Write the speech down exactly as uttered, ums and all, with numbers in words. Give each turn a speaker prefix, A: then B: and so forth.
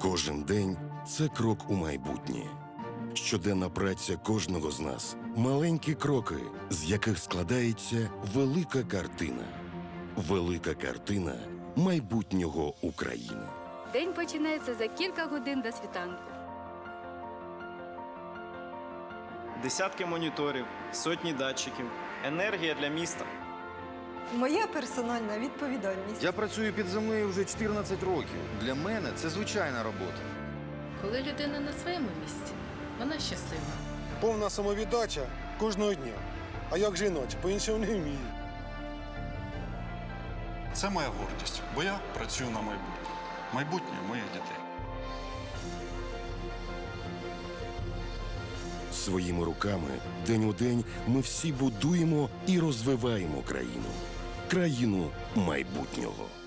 A: Кожен день – це крок у майбутнє. Щоденна праця кожного з нас – маленькі кроки, з яких складається велика картина. Велика картина майбутнього України.
B: День починається за кілька годин до світанку.
C: Десятки моніторів, сотні датчиків, енергія для міста.
D: Моя персональна відповідальність.
E: Я працюю під землею вже чотирнадцять років. Для мене це звичайна робота.
F: Коли людина на своєму місці, вона щаслива.
G: Повна самовіддача кожного дня. А як же іначе? По-іншому не вмію.
H: Це моя гордість, бо я працюю на майбутнє. Майбутнє моїх дітей.
A: Своїми руками день у день ми всі будуємо і розвиваємо країну. Країну майбутнього.